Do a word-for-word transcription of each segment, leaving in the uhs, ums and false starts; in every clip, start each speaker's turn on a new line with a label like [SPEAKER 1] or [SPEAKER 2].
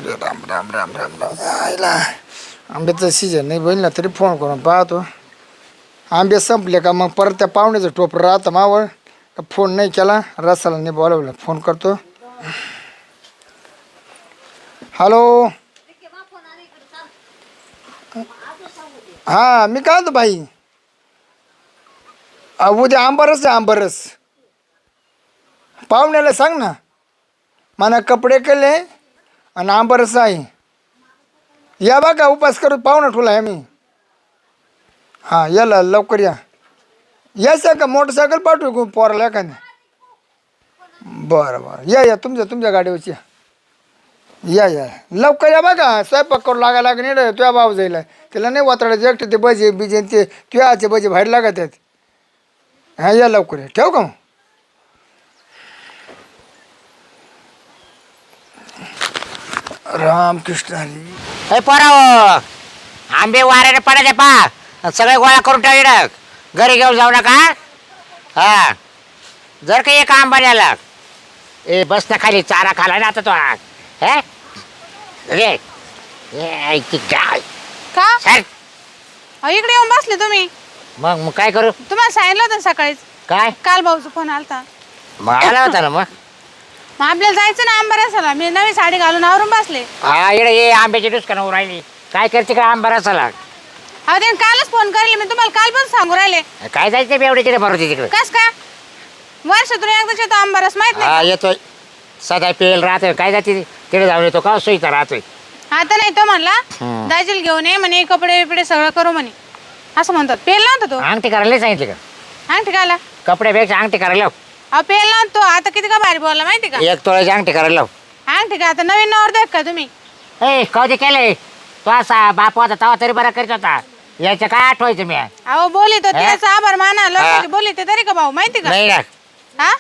[SPEAKER 1] अरे राम राम राम राम राम आईला आंब्याचं सीजन नाही बहिणीला तरी फोन करून पाहतो. आंबे संपले का मग परत त्या पाहुण्याचं टोप राहतं मावळ. फोन नाही केला रसाला नाही बोलावलं फोन करतो. हॅलो हां मी काय होतो बाई उद्या आंबरस आहे आंबरस पाहुण्याला सांग ना मला कपडे केले आणि आंबरस आहे. या बघा उपास करू पाहुणा ठुला आहे मी. हां याला लवकर या यायचं का मोटरसायकल पाठवू पोराला एखाद्या. बरं बरं या या तुमच्या तुमच्या गाडीवरची या या या लवकर या बघा स्वयंपाक करू लागायला लागेल नाही तुझ्या भाऊ जाईल त्याला नाही वातडायचे एकटे ते बजे बिजे ते तुझ्याचे बजे बाहेर लागत आहेत. हां या लवकर या ठेवू का मग. रामकृष्ण हरी.
[SPEAKER 2] हे पोराव आंबे वाऱ्याने पडायचे पा सगळे गोळा करून टाक घरी घेऊन जाऊ नका. हा जर का एक आंबा न्याला ए बस ना खाली चारा खाला ना आता तो हे रे गाय
[SPEAKER 3] का
[SPEAKER 2] सर
[SPEAKER 3] इकडे येऊन बसले तुम्ही.
[SPEAKER 2] मग मग काय करू
[SPEAKER 3] तुम्हाला सांगितलं होतं सकाळीच
[SPEAKER 2] काय
[SPEAKER 3] काल भाऊचा फोन आलता.
[SPEAKER 2] मग आला होता ना मग
[SPEAKER 3] मग आपल्याला जायचं ना आंबारसाला. मी नवी साडी घालून आवरून बसले.
[SPEAKER 2] हा इकडे ये आंब्याची दुष्कान राहिली काय करते का आंबा रसाला.
[SPEAKER 3] अहो त्याने कालच फोन करेल मी तुम्हाला काल पण सांगू राहिले.
[SPEAKER 2] काय जायचं बेवड्याची बरोबर तिकडे
[SPEAKER 3] कस का वर्षातून एकदाच येतो आंबारस माहित
[SPEAKER 2] हा
[SPEAKER 3] नाही.
[SPEAKER 2] येतोय सदा पेल राहतोय काय जाते तिकडे जाऊन येतो का सोयीचा राहतोय.
[SPEAKER 3] आता नाही तो म्हणला दाजील घेऊन ये म्हणे कपडे बिपडे सगळं करू म्हणे असं म्हणतात. पेल नव्हता तो.
[SPEAKER 2] अंगठी करायला नाही सांगितलं का
[SPEAKER 3] अंगठी घाला
[SPEAKER 2] कपड्यापेक्षा अंगठी करायला लाव.
[SPEAKER 3] अहो पेल नव्हता तो. आता किती का भारी बोलला माहिती का.
[SPEAKER 2] एक तोळ्याची अंगठी करायला लाव.
[SPEAKER 3] अंगठी का आता नवीन नवर देख का तुम्ही.
[SPEAKER 2] ए कधी केलंय तो असा बाप होता तवा तरी बरा करीत होता याच्या काय आठवायचं मी
[SPEAKER 3] अहो बोली तो त्याचा आभार माना लोकांची बोली ते तरी का भाऊ माहिती का.
[SPEAKER 2] नाही ना
[SPEAKER 3] हा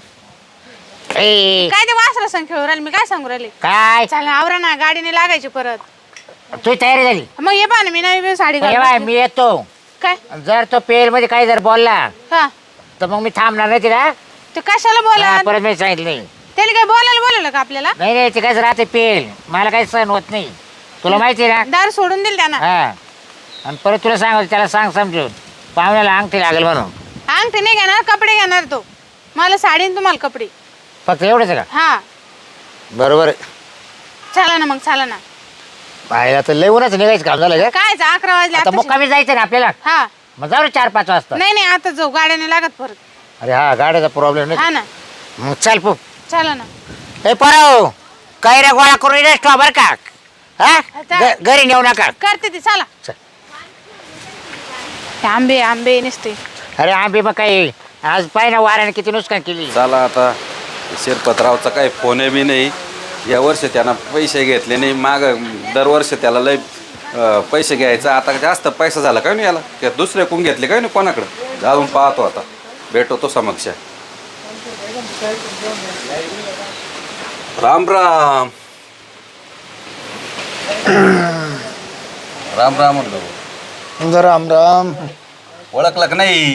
[SPEAKER 2] ए
[SPEAKER 3] काय ते वासरा संग खेळू राहिले मी काय सांगू राहिले.
[SPEAKER 2] काय
[SPEAKER 3] चला आवरा ना गाडीने लागायची परत.
[SPEAKER 2] तुझी तयारी झाली
[SPEAKER 3] मग ये पहा ना मी नवी साडी
[SPEAKER 2] ए
[SPEAKER 3] घालून
[SPEAKER 2] बाय
[SPEAKER 3] बसले.
[SPEAKER 2] मी येतो
[SPEAKER 3] काय
[SPEAKER 2] जर तो पेल मध्ये काही जर बोलला
[SPEAKER 3] हा
[SPEAKER 2] तर मग मी थांबणार नाही तिला
[SPEAKER 3] ते कशाला बोला
[SPEAKER 2] हा, परत मी सांगितलं नाही
[SPEAKER 3] त्याला काय बोलायला बोलवलं का आपल्याला.
[SPEAKER 2] नाही नाही ते कसं राहते पेल मला काही सहन होत नाही तुला माहिती आहे ना.
[SPEAKER 3] दार सोडून दिल त्यांना.
[SPEAKER 2] हा आणि परत तुला सांग त्याला सांग समजून पाहुण्याला अंगठी लागेल म्हणून.
[SPEAKER 3] अंगठी नाही घेणार कपडे घेणार तो. मला साडी आणि तुम्हाला कपडे
[SPEAKER 2] फक्त एवढंच का
[SPEAKER 3] हा
[SPEAKER 2] बरोबर आहे.
[SPEAKER 3] चला ना मग चला ना.
[SPEAKER 2] पाहिला तर लय उन्हाचं निघायचं काम झालं का
[SPEAKER 3] काय अकरा वाजले
[SPEAKER 2] आता
[SPEAKER 3] आताशी.
[SPEAKER 2] मुक्कामी जायचं ना आपल्याला
[SPEAKER 3] हा
[SPEAKER 2] मग जाऊ रे चार पाच वाजता.
[SPEAKER 3] नाही नाही आता जाऊ गाड्याने लागत परत.
[SPEAKER 2] अरे हा गाड्याचा प्रॉब्लेम
[SPEAKER 3] हा
[SPEAKER 2] नाही
[SPEAKER 3] ना
[SPEAKER 2] मग चल पो
[SPEAKER 3] चला ना.
[SPEAKER 2] हे पराव काही रे गोळा करून रेस्ट बर का हा
[SPEAKER 3] आता-
[SPEAKER 2] घ- घरी नेऊ नका.
[SPEAKER 3] करते ती चला.
[SPEAKER 2] चल.
[SPEAKER 3] ते आंबे आंबे नसते.
[SPEAKER 2] अरे आंबे मग काही आज पाय ना वाऱ्याने किती नुकसान केली.
[SPEAKER 4] चला आता शिरपतरावचा काही फोन बी नाही. या वर्षी त्यानं पैसे घेतले नाही माग दरवर्षी त्याला लय अं, पैसे घ्यायचा आता जास्त पैसा झाला काय नाही याला त्या दुसरे कोण घेतले काय नाही कोणाकडं जाऊन पाहतो आता भेटवतो समक्ष. राम राम राम राम म्हणलो
[SPEAKER 1] राम राम.
[SPEAKER 4] ओळखलं का नाही.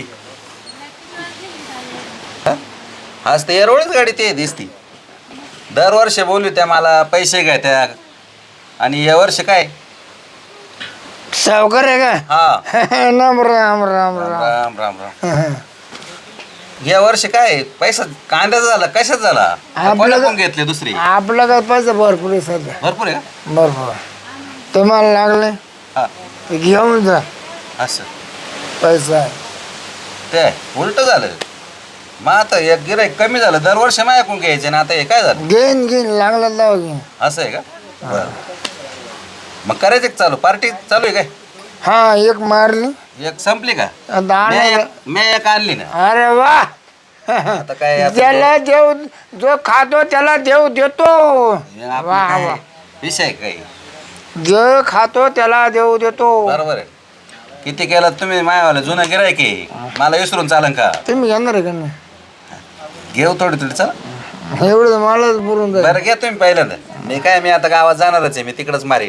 [SPEAKER 4] हा? आज ते एरोळीच गाडी ते दिसती दरवर्षी बोलू त्या मला पैसे घ्या त्या आणि या वर्षी काय
[SPEAKER 1] सावकार आहे का.
[SPEAKER 4] हा
[SPEAKER 1] राम राम राम राम.
[SPEAKER 4] राम राम राम या वर्षी काय पैसा कांद्याचा झाला कशाच झाला
[SPEAKER 1] आपलं-
[SPEAKER 4] कोणा कोण घेतले दुसरी
[SPEAKER 1] आपलं काय पैसा भरपूर आहे सध्या
[SPEAKER 4] भरपूर आहे का
[SPEAKER 1] भरपूर. तुम्हाला लागले
[SPEAKER 4] हा
[SPEAKER 1] घेऊन जा
[SPEAKER 4] असं
[SPEAKER 1] पैसा आहे.
[SPEAKER 4] ते उलट झालं मग आता एक गिराईक कमी झालं दरवर्षी माझ्याकडून घ्यायचे ना आता हे काय झालं
[SPEAKER 1] घेईन घेईन लागलं लाव घेईन.
[SPEAKER 4] असं आहे का बरं मग करायचं का चालू पार्टी चालू आहे काय
[SPEAKER 1] हा एक मारली
[SPEAKER 4] एक संपली का
[SPEAKER 1] आता
[SPEAKER 4] मी
[SPEAKER 1] आणायला-
[SPEAKER 4] एक- मी एक आणली ना
[SPEAKER 1] अरे वा
[SPEAKER 4] आता काय आता
[SPEAKER 1] ज्याला देव जो खातो त्याला देव देतो.
[SPEAKER 4] हे आपलं
[SPEAKER 1] वा
[SPEAKER 4] काय
[SPEAKER 1] वा.
[SPEAKER 4] विषय आहे काही
[SPEAKER 1] जे खातो त्याला देव देतो.
[SPEAKER 4] बरोबर आहे किती केलं तुम्ही मायावाला जुनं गिरायक आहे मला विसरून चालन का
[SPEAKER 1] तुम्ही घेणार आहे का नाही.
[SPEAKER 4] घेऊ थोडी थोडी चला
[SPEAKER 1] एवढं तर मलाच बोलून जाईल.
[SPEAKER 4] बरं घ्या तुम्ही पहिल्यांदा मी काय मी आता गावात जाणारच आहे मी तिकडच मारे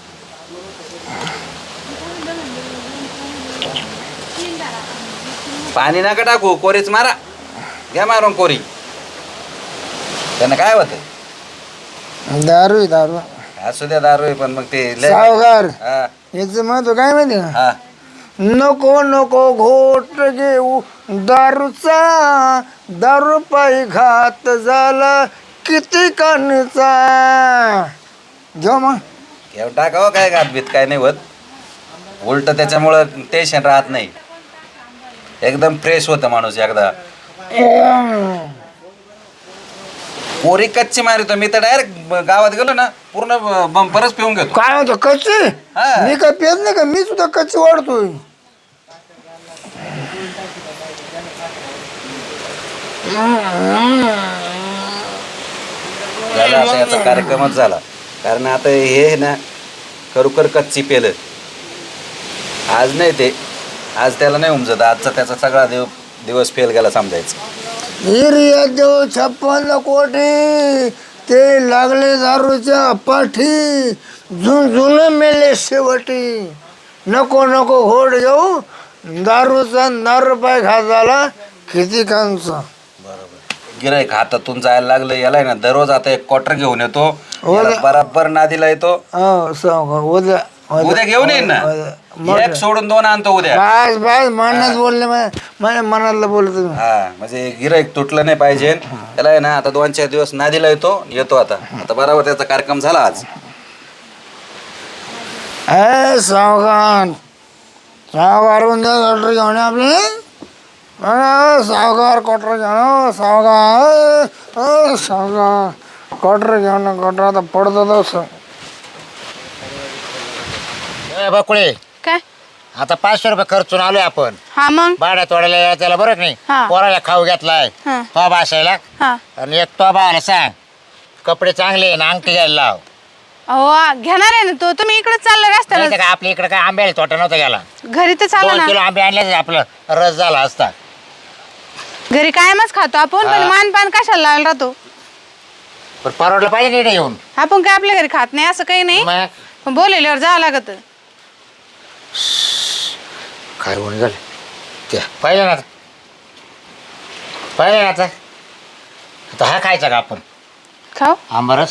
[SPEAKER 4] पाणी नका टाकू कोरीच मारा घ्या मारून कोरी त्यांना काय होतं
[SPEAKER 1] दारू आहे दारू.
[SPEAKER 4] असू द्या दारू आहे, पण मग ते लय-
[SPEAKER 1] सावकार
[SPEAKER 4] हा
[SPEAKER 1] याचं महत्व काय माहिती का?
[SPEAKER 4] हा
[SPEAKER 1] नको नको घोट घेऊ दारूचा, दारू पायी घात झाला किती कणचा. घेऊ मग.
[SPEAKER 4] घेऊन टाकावं काय घातबीत काय नाही होत उलट त्याच्यामुळं टेन्शन राहत नाही एकदम फ्रेश होतं माणूस एकदा. पोरी कच्ची मारितो मी तर डायरेक्ट गावात गेलो ना पूर्ण बंपरच पिऊन घेतो.
[SPEAKER 1] काय होतं कच्ची?
[SPEAKER 4] हा.
[SPEAKER 1] मी काय पेत नाही का? मी सुद्धा कच्ची वाढतोय.
[SPEAKER 4] झाला आता याचा कार्यक्रमच झाला कारण आता हे ना खरोखर कच्ची पेलं आज नाही ते आज त्याला नाही उमजत आजचा त्याचा सगळा दिव दिवस फेल गेला समजायचं.
[SPEAKER 1] हिरिया देव छप्पन कोटी ते लागले दारूच्या पाठी झुंझुन मेले शेवटी. नको नको घोड घेऊ दारूचा दारू पाय खा झाला किती कांचा.
[SPEAKER 4] गिराईक हातातून जायला लागलं याला ना दररोज आता एक क्वार्टर घेऊन येतो याला बराबर नादीला येतो.
[SPEAKER 1] हो सावकार उद्या
[SPEAKER 4] उद्या घेऊन येईन ना
[SPEAKER 1] उद्या.
[SPEAKER 4] एक सोडून दोन आणतो उद्या.
[SPEAKER 1] बस बस मनात बोलले माझ्या मनातलं बोलत तुम्ही.
[SPEAKER 4] हा म्हणजे गिराईक तुटलं नाही पाहिजे त्याला आहे ना आता दोन चार दिवस नादीला येतो येतो आता आता बरोबर त्याचा कार्यक्रम झाला आज.
[SPEAKER 1] ए सावकार सावकार उद्या क्वार्टर घेऊन ये आपले. अरे सावकार क्वार्टर घेऊन सावकार सावकार क्वार्टर घेऊन क्वार्टर आता पडतो तस.
[SPEAKER 2] ए बकुळे
[SPEAKER 3] काय?
[SPEAKER 2] आता पाचशे रुपये खर्चून आलोय आपण
[SPEAKER 3] हा मग
[SPEAKER 2] भाड्या तोडायला यायला त्याला बरं की नाही
[SPEAKER 3] हा.
[SPEAKER 2] पोराला खाऊ घेतलाय
[SPEAKER 3] हा.
[SPEAKER 2] तो बसायला
[SPEAKER 3] हा.
[SPEAKER 2] आणि एक तो बायला सांग कपडे चांगले आहे ना अंगठी घ्यायला लाव.
[SPEAKER 3] अहो घेणार आहे ना तो. तुम्ही इकडे चालला
[SPEAKER 2] नाही
[SPEAKER 3] रस्त्याला
[SPEAKER 2] तर काय आपल्या इकडे काय आंब्याला तोटा नव्हता गेला
[SPEAKER 3] घरी तर चालला
[SPEAKER 2] दोन
[SPEAKER 3] ना.
[SPEAKER 2] किलो आंबे आणले आपलं रस झाला असता.
[SPEAKER 3] घरी कायमच खातो आपण पण
[SPEAKER 2] हा.
[SPEAKER 3] मानपान कशाला लावला राहतो.
[SPEAKER 2] पण परवडलं पाहिजे नीट येऊन
[SPEAKER 3] आपण काय आपल्या घरी खात नाही असं काही नाही
[SPEAKER 2] मग
[SPEAKER 3] पण बोलल्यावर जावं लागत.
[SPEAKER 2] काय होऊन झालं ते पाहिलं ना आता पाहिलं ना आता आता हा खायचा का आपण
[SPEAKER 3] खाऊ
[SPEAKER 2] आंबरस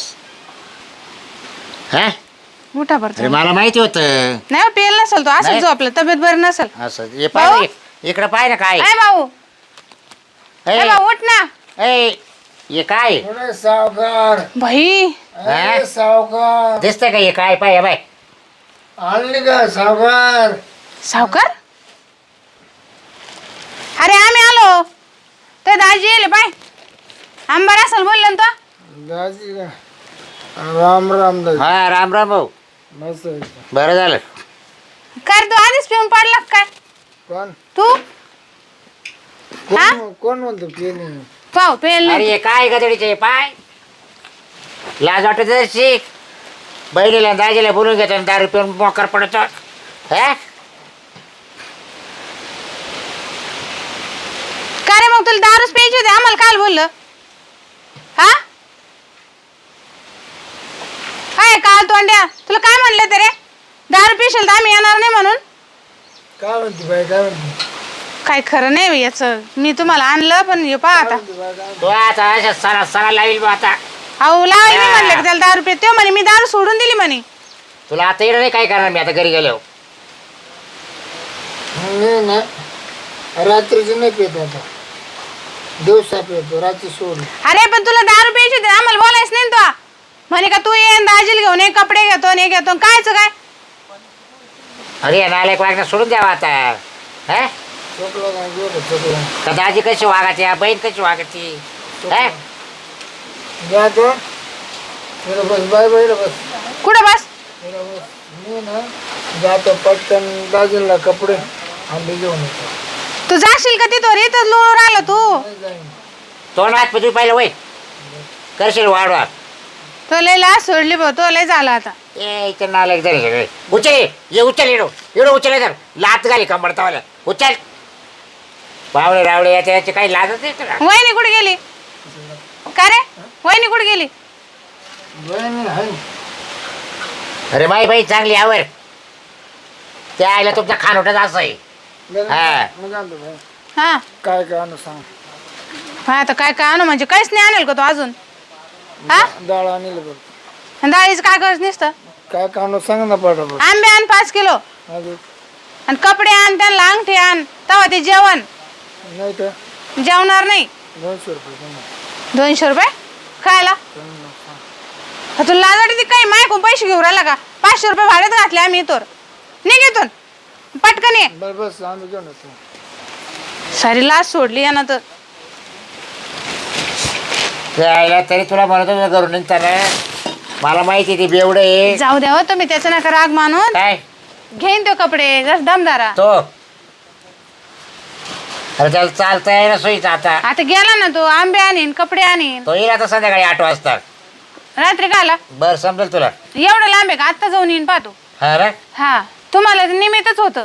[SPEAKER 2] हा
[SPEAKER 3] मोठा
[SPEAKER 2] अरे
[SPEAKER 3] भरतो
[SPEAKER 2] मला माहिती होतं
[SPEAKER 3] नाही पेल नसेल तो असं
[SPEAKER 2] नाही.
[SPEAKER 3] जो आपलं तब्येत बरी नसेल.
[SPEAKER 2] असं हे पाहिजे इकडं पाहिजे काय
[SPEAKER 3] काय भाऊ
[SPEAKER 2] ए,
[SPEAKER 3] ए भाऊ उठ ना.
[SPEAKER 2] ए, हे काय
[SPEAKER 1] अरे सावकार
[SPEAKER 3] भाई
[SPEAKER 1] अरे सावकार
[SPEAKER 2] दिसतंय का हे काय पाय बाय
[SPEAKER 1] आणली का सावकार?
[SPEAKER 3] सावकार अरे आम्ही आलो ते दाजी येले पाय आंबार असेल बोलले ना तो.
[SPEAKER 1] दाजी का? राम राम दाजी.
[SPEAKER 2] हा राम राम भाऊ
[SPEAKER 1] मस्त आहे.
[SPEAKER 2] बरं झालं
[SPEAKER 3] काय रे, तू आधीच पिऊन पडला का काय
[SPEAKER 1] कोण
[SPEAKER 3] तू हा?
[SPEAKER 1] कोण कोण म्हणतो पेनी?
[SPEAKER 3] पाव पेल
[SPEAKER 2] अरे
[SPEAKER 3] नाही.
[SPEAKER 2] हे काय गदडीचे पाय लाज वाटत जर शिक बहिणीला दाजीला बोलून घेतो आणि दारू पिऊन मोकर पडतो हा
[SPEAKER 3] का रे मग तुला दारूच प्यायची होती आम्हाला काल बोललं हा काय काल तोंड्या तुला काय म्हणलं ते रे दारू पिशील तर आम्ही येणार नाही म्हणून.
[SPEAKER 1] काय म्हणते बाई काय म्हणते?
[SPEAKER 3] काय खरं नाही बाई याचं. मी तुम्हाला आणलं पण हे पहा आता
[SPEAKER 2] तो आता अशा सणा सणा लावील बा आता
[SPEAKER 3] अहो लावली मी म्हणलं की त्याला दारू पित तो म्हणे मी दारू सोडून दिली म्हणे.
[SPEAKER 2] तुला आता येणं नाही काय करणार मी आता घरी गेलो
[SPEAKER 1] नाही ना रात्रीची नाही पेत आता दिवसा पेतो रात्री सोड.
[SPEAKER 3] अरे पण तुला दारू प्यायची होती आम्हाला बोलायच नाही ना तो. म्हणे का तू ये दाजील घेऊन ये कपडे घेतो आणि हे घेतो आणि कायचं काय.
[SPEAKER 2] अरे नालायक वागणं सोडून द्यावा आता हा
[SPEAKER 1] चोकला काय गेलं चोकला.
[SPEAKER 2] का दाजी कशी वागायची बहीण कशी वागायची हा
[SPEAKER 1] जा तो इकडं बस बाय बाय इकडं बस
[SPEAKER 3] कुठं बस
[SPEAKER 1] इकडं बस. मी ना जातो पटकन दाजीला कपडे आंबे घेऊन येतो.
[SPEAKER 3] तू जाशील का तिथं इथं लोळ राहिला तू.
[SPEAKER 1] नाही जाईन.
[SPEAKER 2] तोंड हात पृथ्वी पाहिलं वय करशील वाढवा
[SPEAKER 3] तो लय लाज सोडली भाऊ तो लय झाला आता.
[SPEAKER 2] ए इथे नालायक झाले सगळे उचल ये उचल येडो येडो उचल तर लात घाली कंबरतावाल्या उचल पावले रावळे याच्या याचे काही लाजच नाही तुला
[SPEAKER 3] वहिनी कुठे गेली का रे वहिनी कुठे गेली.
[SPEAKER 1] बहिणी आहे.
[SPEAKER 2] अरे माई बाई चांगली आवर त्या आईला तुमचा खानोटाच असं आहे हा.
[SPEAKER 1] मी जाणतो बाई.
[SPEAKER 3] हा
[SPEAKER 1] काय काय आणू सांग.
[SPEAKER 3] हा आता काय काय आणू म्हणजे काहीच नाही आणेल का तो अजून हा
[SPEAKER 1] डाळ आणलं बघ.
[SPEAKER 3] आणि डाळीचं काय करत नसतं.
[SPEAKER 1] काय काढून सांग ना पटापट.
[SPEAKER 3] आंबे आण पाच किलो
[SPEAKER 1] अजून
[SPEAKER 3] आणि कपडे आण, त्यांना अंगठी आण, तेव्हा ते जेवण.
[SPEAKER 1] नाही तर
[SPEAKER 3] जेवणार नाही.
[SPEAKER 1] दोनशे रुपये दे ना.
[SPEAKER 3] दोनशे रुपये खायला का तुला लाज वाटते काही मायकून पैसे घेऊन राहिला का. पाचशे रुपये भाड्यात घातले आम्ही इथवर. निघेतून पटकन ये.
[SPEAKER 1] बरं बस आम्ही घेऊन येतो.
[SPEAKER 3] सारी लाज सोडली यानं तर.
[SPEAKER 2] यायला तरी तुला म्हणत होतं घरून निघताना मला माहिती ती बेवडे आहे.
[SPEAKER 3] जाऊ द्या हो तुम्ही त्याचं नका राग मानून.
[SPEAKER 2] काय
[SPEAKER 3] घेईन तो कपडे जर दमदारा.
[SPEAKER 2] तो अरे त्याला चालता आहे ना सोयीचा आता.
[SPEAKER 3] आता गेला ना तो आंबे आणीन कपडे आणीन.
[SPEAKER 2] तो येईल आता संध्याकाळी आठ वाजता.
[SPEAKER 3] रात्री काला
[SPEAKER 2] बरं समजेल तुला.
[SPEAKER 3] एवढं लांब आहे का आत्ता जाऊन येईन पाहतो.
[SPEAKER 2] हा रे
[SPEAKER 3] हा तुम्हाला ते निमित्तच होतं.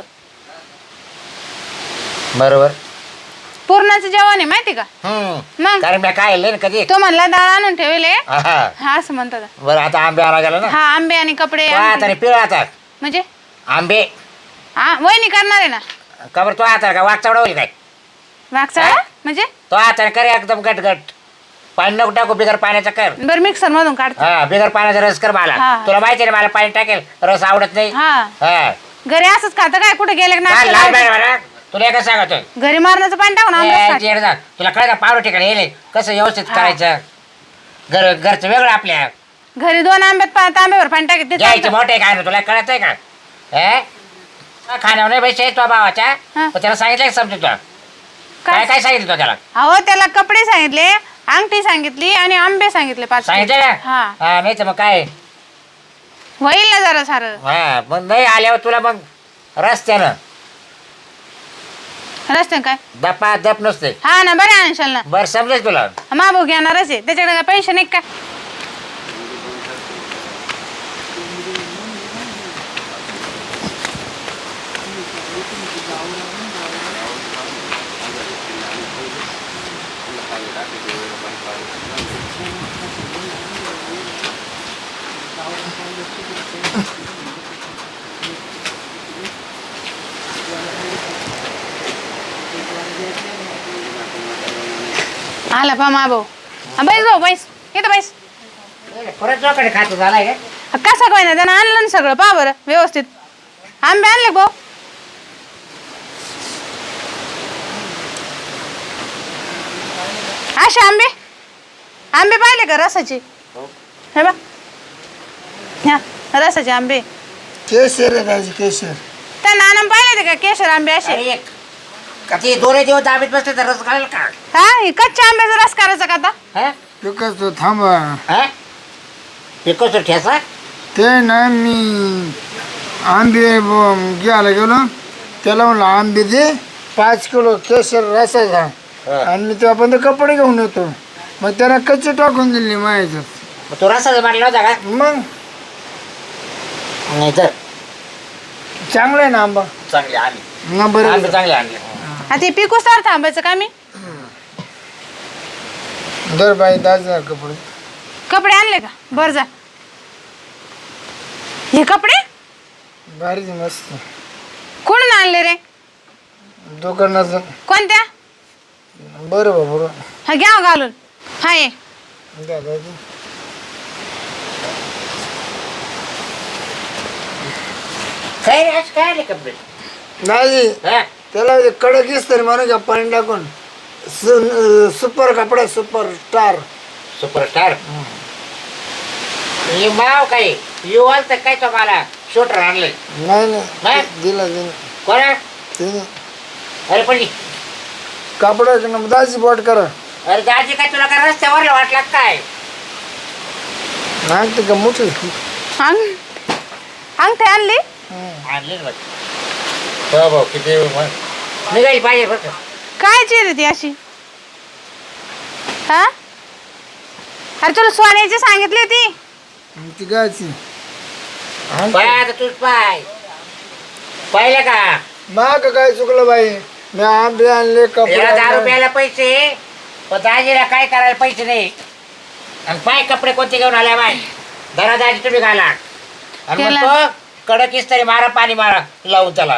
[SPEAKER 2] बरोबर.
[SPEAKER 3] पूर्णाचं जेवण आहे माहिती का.
[SPEAKER 2] हम्म
[SPEAKER 3] मग
[SPEAKER 2] कारण मी काय ना कधी.
[SPEAKER 3] तो म्हणला डाळ आणून ठेवले.
[SPEAKER 2] हा
[SPEAKER 3] हा असं म्हणतात.
[SPEAKER 2] बरं आता आंबे आणा गेला ना.
[SPEAKER 3] हा आंबे आणि कपडे
[SPEAKER 2] तो
[SPEAKER 3] आणते.
[SPEAKER 2] आता पिळ आता
[SPEAKER 3] म्हणजे
[SPEAKER 2] आंबे.
[SPEAKER 3] हा वहिनी करणार आहे ना.
[SPEAKER 2] का बरं तो आता का वाघ चवडा होईल काय.
[SPEAKER 3] वागचा म्हणजे
[SPEAKER 2] तो आता कर एकदम गट गट. पाणी नको टाकू बिगर पाण्याचा कर.
[SPEAKER 3] बरं मिक्सर मधून काढतो.
[SPEAKER 2] हा बिगर पाण्याचा रस कर मला.
[SPEAKER 3] हा.
[SPEAKER 2] तुला माहिती आहे ना मला पाणी टाकेल रस आवडत नाही.
[SPEAKER 3] हा
[SPEAKER 2] हा
[SPEAKER 3] घरी असंच खातं काय कुठे गेले
[SPEAKER 2] काय
[SPEAKER 3] ना.
[SPEAKER 2] लाल बाई मला तुला एकच सांगतोय.
[SPEAKER 3] घरी मारण्याचं पाणी टाकून आमरस
[SPEAKER 2] ए,
[SPEAKER 3] टाक.
[SPEAKER 2] जेड जा. तुला कळ का पावलं ठिकाणी येईल कसं व्यवस्थित
[SPEAKER 3] हा.
[SPEAKER 2] करायचं. घर घरचं वेगळं आपल्या.
[SPEAKER 3] घरी दोन आंब्यात पा- तांब्यावर पाणी टाकत ते
[SPEAKER 2] घ्यायचे
[SPEAKER 3] चालतं.
[SPEAKER 2] मोठे काय ना तुला कळत आहे का. हे खाण्यावर नाही पैसे तो भावाच्या.
[SPEAKER 3] हा.
[SPEAKER 2] पण त्याला सांगितलं का समजू तुला काय
[SPEAKER 3] काय
[SPEAKER 2] काय सांगितलं तो त्याला.
[SPEAKER 3] अहो त्याला कपडे सांगितले, अंगठी सांगितली आणि आंबे सांगितले पाच
[SPEAKER 2] सांगितलं
[SPEAKER 3] किलो.
[SPEAKER 2] का
[SPEAKER 3] हा
[SPEAKER 2] हा नाही तर मग काय.
[SPEAKER 3] होईल ना जरा सारं.
[SPEAKER 2] हा मग नाही आल्यावर तुला मग रस्त्यानं
[SPEAKER 3] रस्त्यानं काय
[SPEAKER 2] दपा दप नसते.
[SPEAKER 3] हा ना बरे आणशाल ना.
[SPEAKER 2] बरं समजेल तुला.
[SPEAKER 3] माबू घेणारच आहे त्याच्याकडे काय पैसे नाही का. आला पा मा भाऊ. बैस भाऊ बैस येतो बैस.
[SPEAKER 2] परत जोकडे खातो झालाय का.
[SPEAKER 3] कसा काय ना त्यानं आणलं ना सगळं पा बरं व्यवस्थित. आंबे आणले का भाऊ. असे आंबे आंबे पाहिले का रसाचे. हे बा ह्या रसाचे आंबे.
[SPEAKER 1] केशर आहे दाजी केशर.
[SPEAKER 3] त्या नाना पाहिले ते का केशर आंबे असे.
[SPEAKER 2] अरे एक का ते दोन्ही दिवस दाबीत बसले तर रस घालेल का.
[SPEAKER 3] हा हे कच्च्या आंब्याचा रस करायचा का आता.
[SPEAKER 2] हा
[SPEAKER 1] पिकच तो थांबा.
[SPEAKER 2] हा पिकोचं ठेसा.
[SPEAKER 1] ते ना मी आंबे ब- घ्यायला गेलो त्याला म्हणलं आंबे दे पाच किलो केशर रसाचा.
[SPEAKER 2] हा.
[SPEAKER 1] आणि मी तेव्हा कपडे घेऊन येतो. मग त्याला कच्चे टाकून दिले माझ्या.
[SPEAKER 2] मग तो रसाचा मारला होता का.
[SPEAKER 1] मग
[SPEAKER 2] नाही तर
[SPEAKER 1] चांगलं आहे ना आंबा.
[SPEAKER 2] चांगले आणले
[SPEAKER 1] ना बरं
[SPEAKER 2] आणले चांगले आणले.
[SPEAKER 3] आता ते पिकूस तर थांबायचं का मी.
[SPEAKER 1] दर बाई दाजा कपडे.
[SPEAKER 3] कपडे आणले का बर जा. हे कपडे
[SPEAKER 1] भारीच मस्त.
[SPEAKER 3] कुठून आणले रे.
[SPEAKER 1] दुकानाचं.
[SPEAKER 3] कोणत्या.
[SPEAKER 1] बरं बा बरं.
[SPEAKER 3] हा घ्या हो घालून. हा ये
[SPEAKER 1] द्या दाजी.
[SPEAKER 2] काय रे आज काय आले कपडे.
[SPEAKER 1] दाजी
[SPEAKER 2] हा
[SPEAKER 1] त्याला ते कडक दिसतं रे म्हणून का पाणी टाकून सु सुपर कपडा सुपर स्टार.
[SPEAKER 2] सुपरस्टार. हे माव काय यू आल तर काय तो मला शूटर आणले.
[SPEAKER 1] नाही
[SPEAKER 2] नाही?
[SPEAKER 1] नाही दिला दिला
[SPEAKER 2] कोणा
[SPEAKER 1] तिने
[SPEAKER 2] अरे पण
[SPEAKER 1] कापडा दाजी बोट करा.
[SPEAKER 2] अरे दाजी काय तुला काय रस्त्यावर वाटला काय.
[SPEAKER 1] नाही ते का मोठी.
[SPEAKER 3] अंग अंगठी आणली.
[SPEAKER 2] आणले ना हो भाऊ किती निघाली पाहिजे बरं का.
[SPEAKER 3] काय ची रे ती अशी. हा अरे तुला सोन्याची सांगितली होती.
[SPEAKER 1] ती गायची
[SPEAKER 2] पाय आता तूच पाय पाहिलं का.
[SPEAKER 1] माग काय चुकलं बाई. मी आंबे आणले कपडे
[SPEAKER 2] याला दारू
[SPEAKER 1] आणले.
[SPEAKER 2] प्यायला पैसे पण दाजीला काय करायला पैसे नाही. आणि पाय कपडे कोणते घेऊन आल्या बाय धरा दाजी तुम्ही घाला. आणि मग
[SPEAKER 3] त्याला-
[SPEAKER 2] तो कडक इस्त्री मारा पाणी मारा लावून त्याला.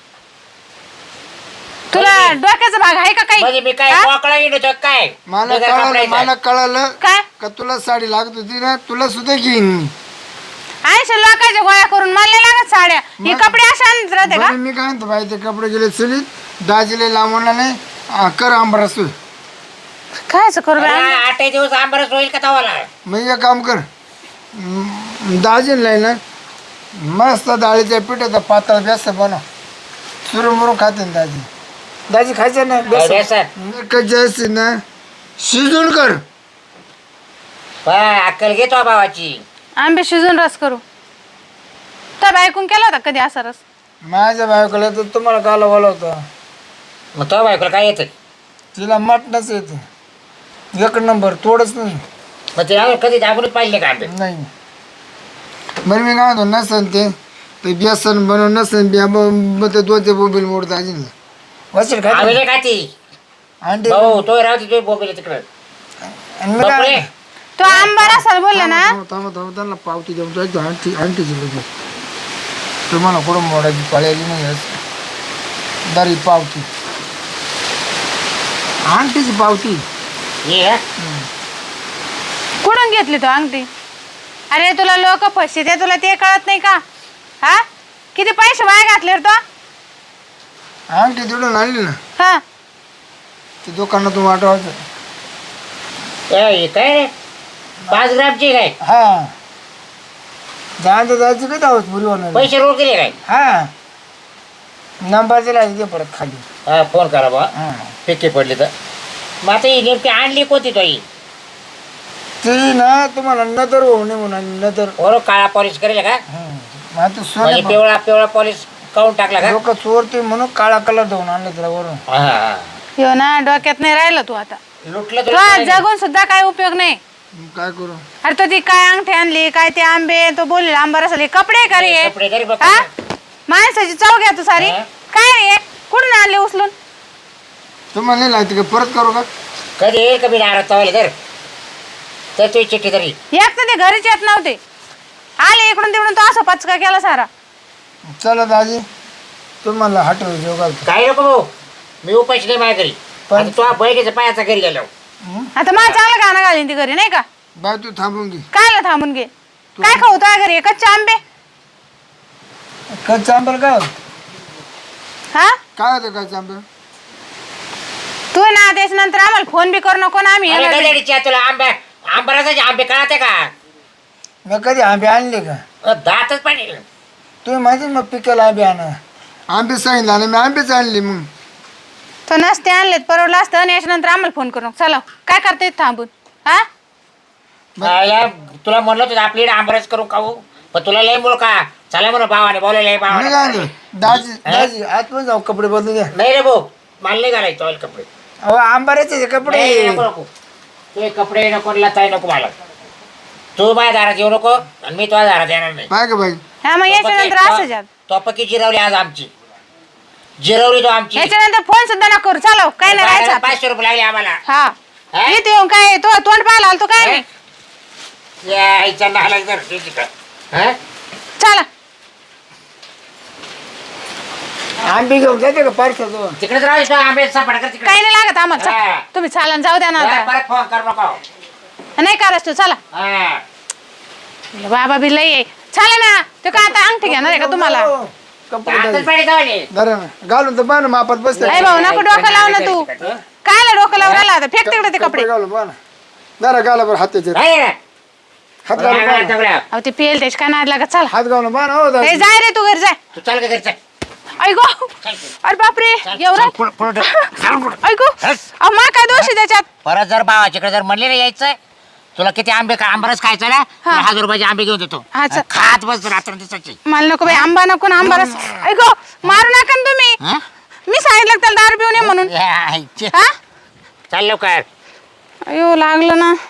[SPEAKER 3] तुला डोक्याचा भाग आहे का काही.
[SPEAKER 2] म्हणजे मी काय
[SPEAKER 3] हा?
[SPEAKER 2] मोकळा येतो काय
[SPEAKER 1] मला
[SPEAKER 2] बिगर
[SPEAKER 1] कळालं
[SPEAKER 2] कपड्याचा.
[SPEAKER 1] मला कळालं
[SPEAKER 3] काय
[SPEAKER 1] का तुला साडी लागत होती ना तुला सुद्धा घेईन मी.
[SPEAKER 3] ऐंशी लोकांच्या गोळ्या करून मला नाही लागत साड्या हे
[SPEAKER 1] मग-
[SPEAKER 3] कपडे असे आणत राहते का
[SPEAKER 1] बरं, मी काय म्हणतो बाई ते कपडे गेले चुलीत दाजीले लांबवला नाही आ, कर आंबरस तू
[SPEAKER 3] कायच करू बाई आम्ही?
[SPEAKER 2] आठ दिवस आंबरस होईल का तवाला
[SPEAKER 1] मग एक काम कर दाजीला ना मस्त डाळीच्या पिठाचा पातळ बेसन बनव चुरून खाते ना दाजी दाजी खायचं ना
[SPEAKER 2] बेसन?
[SPEAKER 1] बेसन कच्ची असते ना शिजून कर
[SPEAKER 2] अक्कल घेतो भावाची
[SPEAKER 3] आंबे शिजून रस करू तर बायकून केला होता कधी असा रस
[SPEAKER 1] माझ्या बायकोला तर तुम्हाला काला बोलवता
[SPEAKER 2] मग तो बायकोला काय येतं
[SPEAKER 1] तिला मटणच येतं एक नंबर तोडच नाही
[SPEAKER 2] मग ते आम्ही कधी दाबूनच पाहिले का आंबे
[SPEAKER 1] नाही बरं मी काय म्हणतो नसन ते ते बेसन बनवून नसन बिया मग ते दोनचे बोबील मोडतं अजून वचल
[SPEAKER 2] आम्ही
[SPEAKER 1] काय
[SPEAKER 2] नाही खाती
[SPEAKER 1] आंटी
[SPEAKER 2] भाऊ तो राहते तो बोबीला तिकडं
[SPEAKER 1] आणि मी काय
[SPEAKER 2] बापरे.
[SPEAKER 3] तो आंबा रसाला बोलला ना
[SPEAKER 1] थांबा थांबा थांबा त्यांना पावती देऊन जायचं आंटी आंटीची लगेच तुम्हाला कुठं मोडायची पळायची नाही दारी पावती आंटीची पावती
[SPEAKER 2] ये हा.
[SPEAKER 3] कुठून घेतली तो अंगठी अरे तुला लोक फसते ते तुला ते कळत नाही का हा किती पैसे वाया घातले रे तो
[SPEAKER 1] आंटी तिकडून आणली ना
[SPEAKER 3] हा
[SPEAKER 1] ते दुकानातून वाटवायचं
[SPEAKER 2] ए, हे काय रे पाच ग्रामची काय
[SPEAKER 1] हा जायचं जायचं काय आहोत पुरी होणार
[SPEAKER 2] पैसे रोड केले काय
[SPEAKER 1] हा नंबर दिला ते परत खाली
[SPEAKER 2] हा फोन करा बा
[SPEAKER 1] हा
[SPEAKER 2] पिके पडली तर मग आता ही नेमकी आणली कोणती तो ही
[SPEAKER 1] ती ना तुम्हाला नदर होऊ नये म्हणून नदर
[SPEAKER 2] बरोबर काळा पॉलिश करेल का
[SPEAKER 1] मग तू
[SPEAKER 2] म्हणजे
[SPEAKER 1] सोने
[SPEAKER 2] पिवळा पिवळा पॉलिश काढून टाकला का
[SPEAKER 1] लोक चोरते म्हणून काळा कलर देऊन आणले त्याला वरून
[SPEAKER 2] हा, हा.
[SPEAKER 3] हो ना डोक्यात नाही राहिलं तू आता
[SPEAKER 2] लुटलं
[SPEAKER 3] तू
[SPEAKER 2] तुला
[SPEAKER 3] आज
[SPEAKER 2] काय नाही.
[SPEAKER 3] जगून सुद्धा काय उपयोग नाही
[SPEAKER 1] मग काय करू
[SPEAKER 3] अरे तो ती काय अंगठी आणली काय ते आंबे तो बोलले आंबा रसाले कपडे का रे
[SPEAKER 2] कपडे तरी बघ
[SPEAKER 3] हा माणसाची चव घ्या तू सारी
[SPEAKER 2] हा?
[SPEAKER 3] काय रे कुठून आणले उचलून
[SPEAKER 1] तुम्हाला नाही लागते का परत करू का
[SPEAKER 2] कधी येईल कमी दारात तवाले तर तर तुझी चिठ्ठी तरी
[SPEAKER 3] एक तर ते घरीच येत नव्हते आले इकडून तिकडून तो असं पचका केला सारा
[SPEAKER 1] चला दाजी तुम्हाला हटव जेव घालतो
[SPEAKER 2] काय नको भाऊ मी उपाशी नाही माझ्या घरी
[SPEAKER 1] पण-
[SPEAKER 2] पण तो बहिणीचा पायाचा घरी गेलो
[SPEAKER 3] आता मला चांगलं गाणं घालीन ती घरी नाही का
[SPEAKER 1] बाय तू थांबून घे
[SPEAKER 3] कायला थांबून घे काय खाऊ तुझ्या घरी कच्चे आंबे
[SPEAKER 1] कच्चा आंबा काय होतं?
[SPEAKER 3] हा
[SPEAKER 1] काय होतं कच्चा आंबा
[SPEAKER 3] तू ना त्याच्यानंतर आम्हाला फोन बी करू नको ना आम्ही
[SPEAKER 2] अरे
[SPEAKER 3] येणार नाही.
[SPEAKER 2] गजाडीच्या तुला आंब्या आंबराचे आंबे कळते का
[SPEAKER 1] मी कधी आंबे आणले का
[SPEAKER 2] अ, दातच पाणी
[SPEAKER 1] तुम्ही माहिती मग पिकाला आंबे आणा आंबे सांगितलं आणि मी आंबेच आणले मग
[SPEAKER 3] तो नसते आणलेत परवडलं असतं आणि याच्यानंतर आम्हाला फोन करू नको. चला काय करते थांबून हा
[SPEAKER 2] आया, तुला म्हणलं होतं आपली आंबरस करू खाऊ पण तुला लय मुळ का चला म्हणून भावाने बोलायला
[SPEAKER 1] मी काय
[SPEAKER 2] भावाने
[SPEAKER 1] म्हणतो, दाजी दाजी आतमध्ये जाऊ कपडे बदलू द्या
[SPEAKER 2] नाही रे भाऊ मला नाही घालायचं ऑइल कपडे
[SPEAKER 1] अहो आंबाऱ्याचे कपडे
[SPEAKER 2] नाही, नको नको ते कपडे नको लताई नको मला तू माझ्या दारात येऊ नको आणि मी तुझ्या दारात येणार नाही
[SPEAKER 1] पाय का बाई
[SPEAKER 3] हा मग याच्यानंतर असं जात
[SPEAKER 2] तो पक्की जिरवली आज आमची जिरवली तो आमची
[SPEAKER 3] याच्यानंतर फोन सुद्धा नको करू चला काय नाही राहायचं
[SPEAKER 2] बाहेर
[SPEAKER 3] आता.
[SPEAKER 2] पाचशे रुपये लागले आम्हाला
[SPEAKER 3] हा
[SPEAKER 2] हा?
[SPEAKER 3] इथे येऊन काय तो तोंड पाहायला आलतो काय नाही
[SPEAKER 2] या आईचा नाला जर तिकडं. हा?
[SPEAKER 3] चला
[SPEAKER 1] आंबे घेऊन जाते का पार्सल
[SPEAKER 2] तिकडेच राहू दे, तो आंबे सापड कर तिकडे
[SPEAKER 3] काही नाही लागत आम्हाला चला.
[SPEAKER 2] हा.
[SPEAKER 3] तुम्ही चालन जाऊ द्या ना
[SPEAKER 2] या,
[SPEAKER 3] आता
[SPEAKER 2] परत फोन कर नको
[SPEAKER 3] नाही करायचं तू चला
[SPEAKER 2] हा.
[SPEAKER 3] बाबा बी लई आहे चालेल ना तो काय आता अंगठी घेणार आहे का तुम्हाला
[SPEAKER 1] कपडे
[SPEAKER 2] आताच
[SPEAKER 1] दाजी.
[SPEAKER 2] पाणी जावले.
[SPEAKER 1] बरं ना घालून तर पहा ना मापात बसते
[SPEAKER 3] अरे भाऊ नको डोकं लाव ना तू कायला डोकं लावून राहिला आता फेक तिकडे ते कपडे
[SPEAKER 1] घालून पहा ना जरा घाला बरं हात त्याच्यात
[SPEAKER 2] राही रे.
[SPEAKER 1] हात घालून पहा ना.
[SPEAKER 2] दगड्या.
[SPEAKER 3] अहो ते पेल त्याच्या काय नाद लागत चला
[SPEAKER 1] हात घालून पहा ना हो
[SPEAKER 3] ए
[SPEAKER 1] दाजी
[SPEAKER 3] जाय रे तू घरी जाय
[SPEAKER 2] तू चाल का घरचा
[SPEAKER 3] ऐको अरे बापरे एवढं ऐको अहो मा काय दोष आहे त्याच्यात
[SPEAKER 2] परत जर भावाच्याकडे जर म्हणले ना यायचं तुला किती आंबे का आंबारच खायचा ना तुला हजार रुपयाचे आंबे घेऊन देतो
[SPEAKER 3] हा, चल.
[SPEAKER 2] खात बस रात्र दिवसाची
[SPEAKER 3] मला नको बाई आंबा नको ना आंबा रस ऐको मारू नका ना तुम्ही
[SPEAKER 2] हा?
[SPEAKER 3] मी सांगितलं त्याला दारू पिऊन ये म्हणून
[SPEAKER 2] या, आईचे.
[SPEAKER 3] हा
[SPEAKER 2] चाल लवकर
[SPEAKER 3] अयो लागलं ना